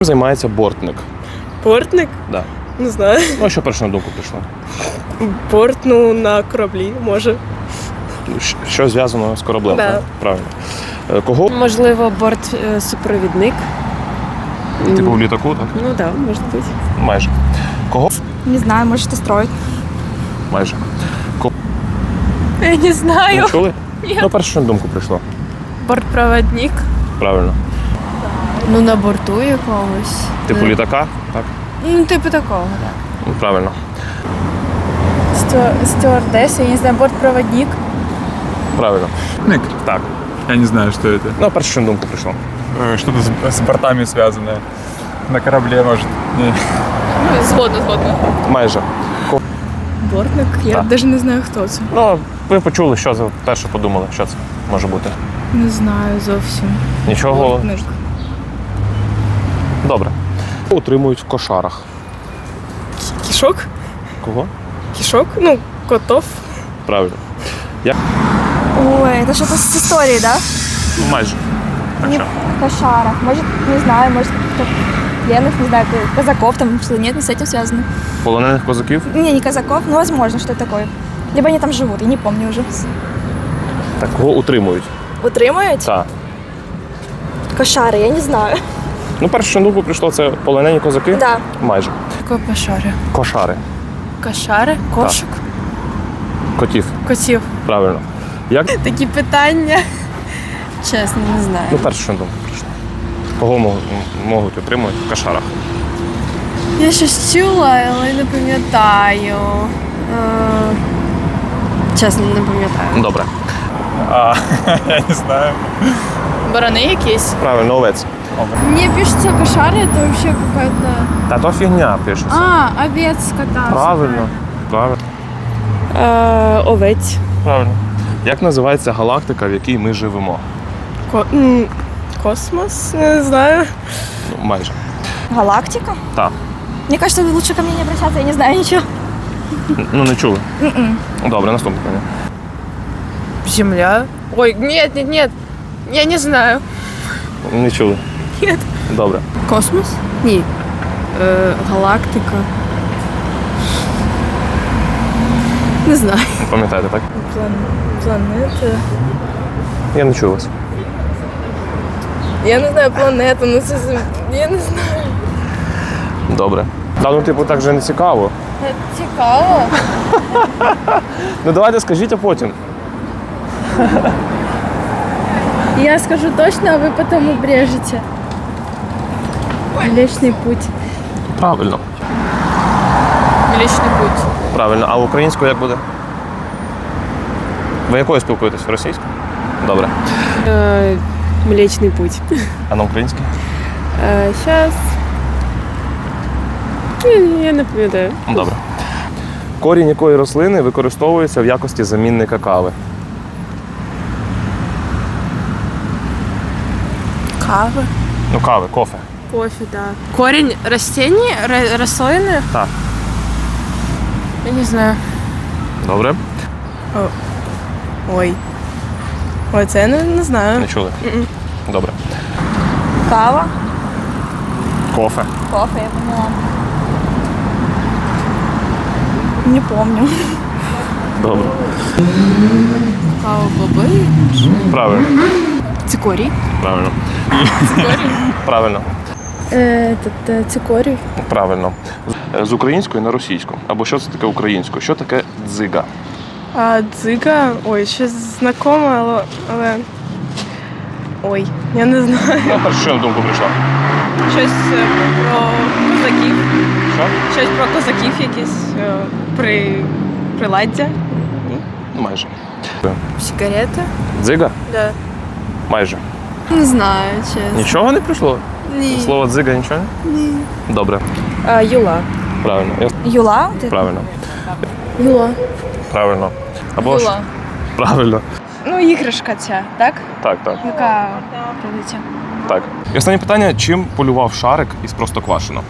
Займається бортник. Бортник? Да. Не знаю. Ну, а що перше на думку прийшло? Борт, на кораблі, може. Що зв'язано з кораблем? Да. Так? Правильно. Кого? Можливо, бортсупровідник. Типу в літаку, так? Ну так, може бути. Майже. Кого? Не знаю, может, и строить. Майже. Я не знаю. Не чули? Ну, перше, що на думку прийшло. Бортпроводник. Правильно. Ну, на борту якогось. Типу літака, так? Ну, типу такого, так. Ну, правильно. Стюардесса, я не знаю, бортпроводник. Правильно. Ник. Так. Я не знаю, что это. Ну, перше, що на думку прийшло. Что-то с бортами связанное. На корабле, может. Не. Згодна. Майже. Бортник? Я Так. навіть не знаю, хто це. Ну, ви почули, що за перше подумали, що це може бути. Не знаю зовсім. Нічого. Бортник. Добре. Утримують в кошарах. Кішок? Кого? Кішок? Котов. Правильно. Ой, это что-то с историей, да? Ну, майже. Так що? Кошарах. Может, не знаю, может, кто-то пленных, не знаю, казаков там, что-то нет, не с этим связано. Полонених козаків? Не казаков, но возможно, что это такое. Либо они там живут, я не помню уже. Так, кого утримують? Утримують? Так. Кошари, я не знаю. Ну, перше, що на думку прийшло, це полонені козаки? Да. Майже. Копашари. Кошари. Кошари? Кошик? Котів. Котів. Правильно. Як? Такі питання. Чесно, не знаю. Ну, перше, що на думку прийшло. Кого можуть утримувати в кошарах? Я щось чула, але не пам'ятаю. Чесно, не пам'ятаю. Добре. Я не знаю. Барани якісь? Правильно, овець. Мне пишется кошары, это вообще какая-то... Та то фігня пишеться. Овец, кота. Правильно. Правильно. Овець. Правильно. Як називається галактика, в якій ми живемо? Космос? Не знаю. Ну, майже. Галактика? Так. Мне кажется, лучше ко мне не обращаться, я не знаю ничего. Ну, не чули? Добре, наступне питання. Земля? Ой, нет. Я не знаю. Не чули? Ні. Добре. Космос? Ні. Галактика. Не знаю. Пам'ятаєте, так? Планета. Я не чув вас. Я не знаю, планета, це я не знаю. Добре. Та, ну, типу, так вже не цікаво. Цікаво. Ну, давайте скажіть, а потім. Я скажу точно, а вы потом обрежете. Млечный путь. Правильно. Млечный путь. Правильно. А українською як буде? Ви якою спілкуєтесь? Російською? Добре. Млечний путь. А на українській? Зараз. Я не пам'ятаю. Добре. Корінь якої рослини використовується в якості замінника кави? Кава. Ну, кави, кофе. Кофе, да. Корень растений? Рослины? Так. Я не знаю. Добре. Ой, це я не знаю. Не чули? Добре. Кава. Кофе. Кофе, я поняла. Не помню. Добре. Кава, боби. Правильно. Цикорий. Правильно. Правильно. Цикорій. Правильно. З української на російську. Або що це таке українською? Що таке дзига? Дзига. Ой, щось знакоме, але. Ой, я не знаю. Ну, перше, що на думку прийшло? Щось про козаків. Що? Щось про козаків якісь приладдя. Ну, майже. Сигарета? Дзига? Да. Майже. Не знаю, чесно. Нічого не прийшло? Ні. Слово дзига нічого? Ні. Добре. Юла. Правильно. Юла? Правильно. Юла. Правильно. Або ж. Юла. Правильно. Іграшка ця, так? Так. Яка прилетя? Так. І останнє питання. Чим полював шарик із Простоквашино?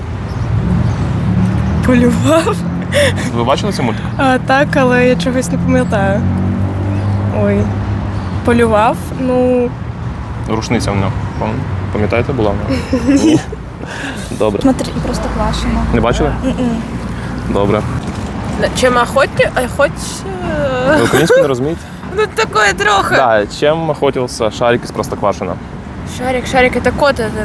Полював? Ви бачили цей мультик? Так, але я чогось не пам'ятаю. Ой. Полював? Рушниця в нього. Пам'ятаєте, була в нього? Ні. Добре. Смотри, Простоквашино. Не бачили? Добре. Чим Ви українську не розумієте? Ну такое трохи. Да, чем охотился Шарик из Простоквашино? Шарик, это кот этот.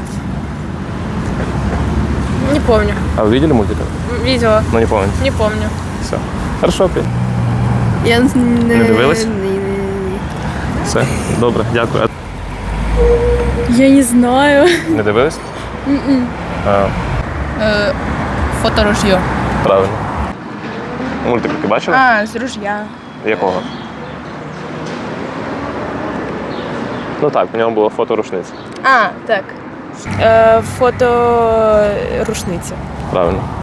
Не помню. А вы видели мультик? Видела. Ну, не помните. Не помню. Все. Хорошо, окей. Я Не дивилась? Все. Добре, дякую. Я не знаю. Не дивились? А, Фоторужье. правильно. Мультик ти бачила? А, з ружья. Якого? Ну так, в ньому було фото рушниці. А, так. Фото рушниці. Правильно.